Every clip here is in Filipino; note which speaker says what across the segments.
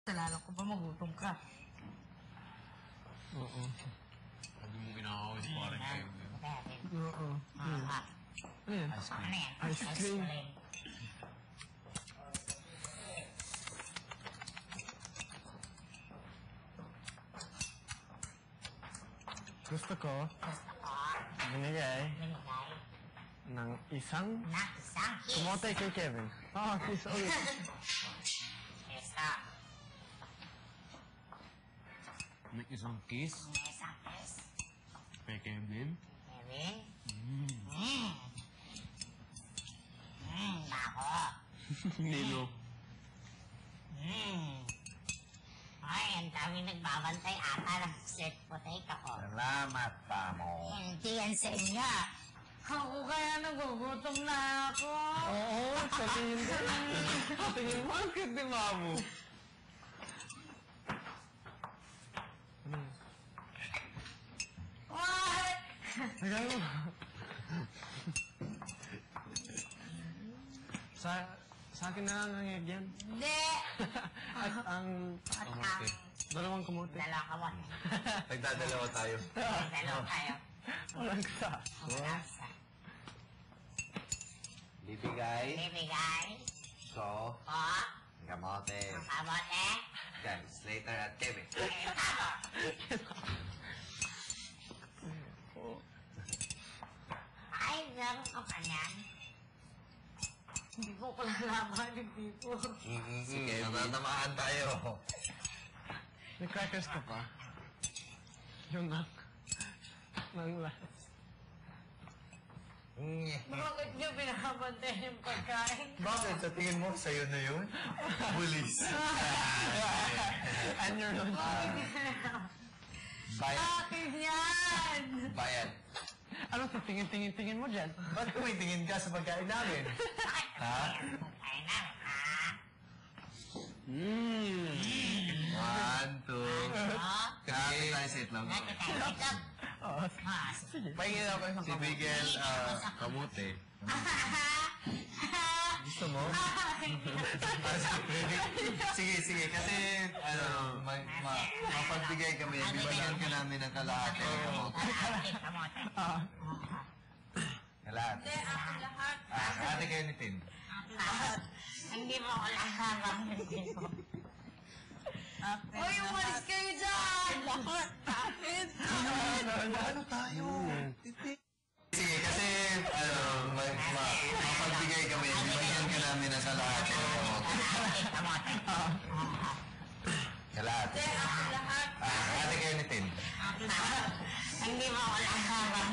Speaker 1: Nalala ko ba magutom ka?
Speaker 2: Oo.
Speaker 3: Hindi mo kinakawin parang kayo.
Speaker 2: Oo. Ano yan?
Speaker 3: Ice cream.
Speaker 1: Ano yan?
Speaker 2: Ice cream. Gusto ko
Speaker 1: Gusto ko.
Speaker 2: binigay
Speaker 1: Binigay.
Speaker 2: ng isang
Speaker 1: Na isang kiss.
Speaker 2: kumote kay Kevin. Ah, kiss ulit.
Speaker 1: Isa.
Speaker 3: May isang kiss.
Speaker 1: May isang kiss.
Speaker 3: Kay Kevin.
Speaker 1: Kevin. Bako.
Speaker 3: Nilo.
Speaker 1: Ay, ang dami nagbabantay ata ng sweet potato ko.
Speaker 3: Salamat, Pamo.
Speaker 1: Hindi yan sa inyo. Ako kaya nagugutom na ako.
Speaker 2: Oo, sa tingin ko. Sa tingin mo, ang cute ni Mamu. Ano yun?
Speaker 1: What?
Speaker 2: Lagay mo. Sa akin na lang ang egg yan.
Speaker 1: Hindi.
Speaker 2: At ang
Speaker 1: At ang
Speaker 2: dalawang kamote.
Speaker 1: dalawa ka mo.
Speaker 3: Nagdadalawa tayo.
Speaker 1: Dalawa kayo.
Speaker 2: Walang sa.
Speaker 1: Nasa.
Speaker 4: Bibigay,
Speaker 1: Bibigay
Speaker 4: so,
Speaker 1: ko
Speaker 4: kamote.
Speaker 1: ang kamote.
Speaker 4: Yan, Slater at Kevin.
Speaker 1: Ayun ako. Ay, meron ka pa niyan. Hindi ko lalaman, hindi ko.
Speaker 4: Sige, matatamaan tayo.
Speaker 2: May crackers ka pa? Yung nang last.
Speaker 1: Bakit niyo pinakabantay yung pagkain?
Speaker 4: Bakit? Sa tingin mo, sa'yo na yun? Bulis.
Speaker 2: And you're not.
Speaker 4: Bayan.
Speaker 1: Akin yan!
Speaker 4: Bayan.
Speaker 2: Ano sa tingin mo dyan?
Speaker 4: Ba't tumitingin ka sa pagkain namin? Ha?
Speaker 1: Pagkain namin, ha?
Speaker 4: One, two. Kapit tayo sa itlog.
Speaker 1: Nakita tayo ito.
Speaker 2: Oo.
Speaker 1: Sige.
Speaker 4: Pahingin ako isang si Miguel, kamote. Gusto mo? Sige, sige. Kasi, mapagbigay kami. Bibigyan ka namin ng kalahati ng kamote.
Speaker 1: Kamote.
Speaker 4: Kalahati.
Speaker 1: Hindi, ako lahat.
Speaker 4: Kalahati kayo ni Tim.
Speaker 1: Hindi mo ako lahat. Uy, umalis kayo dyan! Lahat. Akin.
Speaker 4: Ano tayo? Sige, kasi, mapagbigay kami. Bibigyan ka namin ng kalahati ng kamote.
Speaker 1: Kamote.
Speaker 4: Kalahati.
Speaker 1: Hindi, ako lahat.
Speaker 4: Kalahati kayo ni Tim.
Speaker 1: Hindi mo ako lahat.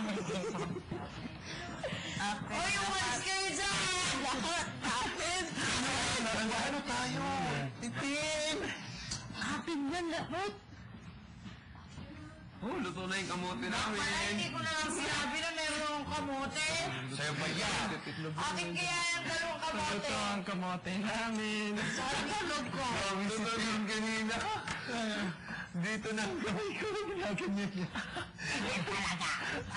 Speaker 1: Uy, umalis kayo dyan! Lahat. Akin.
Speaker 4: Ano tayo? Tim!
Speaker 2: Atin yan lahat.
Speaker 3: Oh, luto na yung kamote namin.
Speaker 1: Wala, hindi ko na lang sinabi na meron akong kamote.
Speaker 4: Sa'yo ba yan?
Speaker 1: Akin kaya yung dalawang kamote.
Speaker 2: Ito ang kamote namin.
Speaker 1: Saan tulog ko?
Speaker 4: Gusto yun kanina. Dito na kami ko ginaganyan niya.
Speaker 1: Hindi talaga.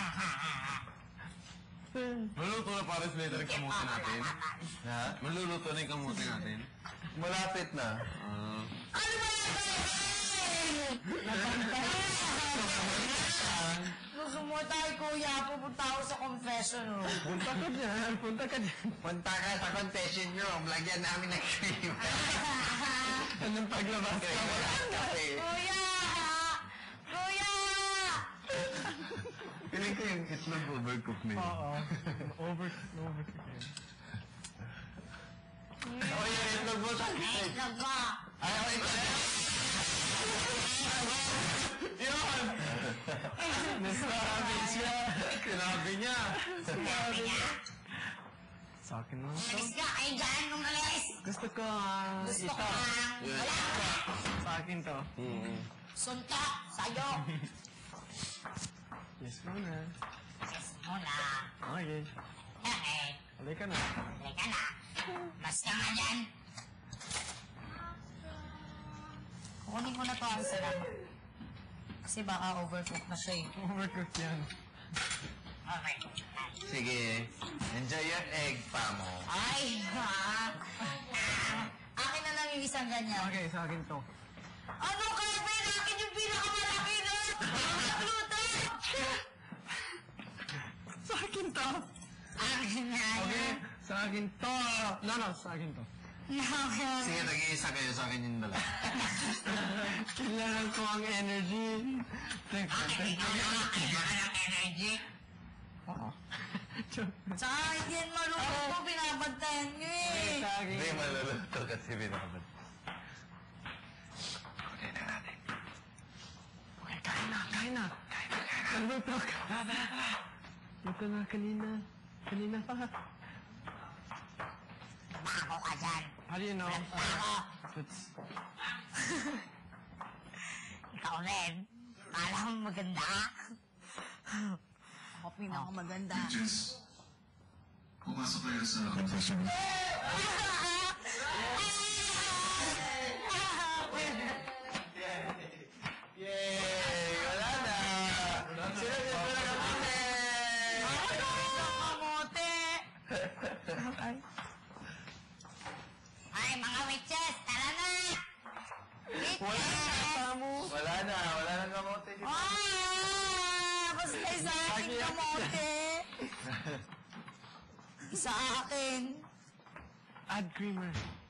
Speaker 3: Maluluto na para Slater yung kamote natin.
Speaker 4: Ha?
Speaker 3: Maluluto na yung kamote natin.
Speaker 4: Malapit na.
Speaker 1: Ano ba yan? Gusto mo tayo, kuya. Pupunta ako sa confession room.
Speaker 2: Punta ka dyan. Punta ka dyan.
Speaker 4: Punta ka sa confession room. Lagyan namin ng cream.
Speaker 2: Anong paglabas ka?
Speaker 4: Walang kape.
Speaker 1: Kuya! Kuya!
Speaker 4: Piling ko yung itlog overcook na yun.
Speaker 2: Oo. Over ka yun.
Speaker 4: Oh, yung itlog mo sa
Speaker 1: Ay, itlog mo.
Speaker 4: Ay, ako itlog. Yun!
Speaker 2: Nasabi siya.
Speaker 4: Sinabi niya.
Speaker 1: Sabi niya.
Speaker 2: Sa akin lang to.
Speaker 1: Alis ka, kayo dyan nung alis.
Speaker 2: Gusto ko
Speaker 1: Gusto ko
Speaker 2: ito.
Speaker 1: ang wala.
Speaker 2: Sa akin to.
Speaker 1: Suntok sa'yo.
Speaker 2: Yes muna.
Speaker 1: Yes muna.
Speaker 2: Okay.
Speaker 1: Okay.
Speaker 2: Halika na.
Speaker 1: Halika na. Basta nga dyan. Kunin ko na to ang salamat. Kasi baka overcook na siya eh.
Speaker 2: Overcooked yan.
Speaker 1: Okay.
Speaker 4: Sige. Enjoy your egg, Pamo.
Speaker 1: Ay, ha? Akin na lang yung isang ganyan.
Speaker 2: Okay, sa akin to.
Speaker 1: Ano kaya ba akin yung pinakamalaki na? Nagluto!
Speaker 2: Sa akin to.
Speaker 1: Akin na
Speaker 2: Okay,
Speaker 1: yan.
Speaker 2: sa akin to. No, sa akin to.
Speaker 3: Sige, nag-iisa kayo sa akin yung dala.
Speaker 2: Kailangan ko ang energy. Thanks, thank you.
Speaker 1: Kailangan ng energy.
Speaker 2: Oo.
Speaker 1: Tsaka hindi yan maluto, binabantayan nyo eh.
Speaker 2: Sa akin.
Speaker 3: Hindi, maluluto kasi binabad.
Speaker 2: Okay na natin. Okay, kain na. Naluto ka. Luto na kanina. Kanina pa.
Speaker 1: Bako ka dyan.
Speaker 2: How do you know?
Speaker 1: Bako.
Speaker 2: It's...
Speaker 1: Ikaw rin. Kala mo maganda? Ako pinakamaganda.
Speaker 5: Jess, pumasok kayo sa confession.
Speaker 3: Yay! Wala na! Sinagot mo na kamote!
Speaker 1: Kamote! Ay, mga witches, tara na! Witches!
Speaker 3: Wala na kamote.
Speaker 1: Basta sa akin kamote! Sa akin!
Speaker 2: Add creamer.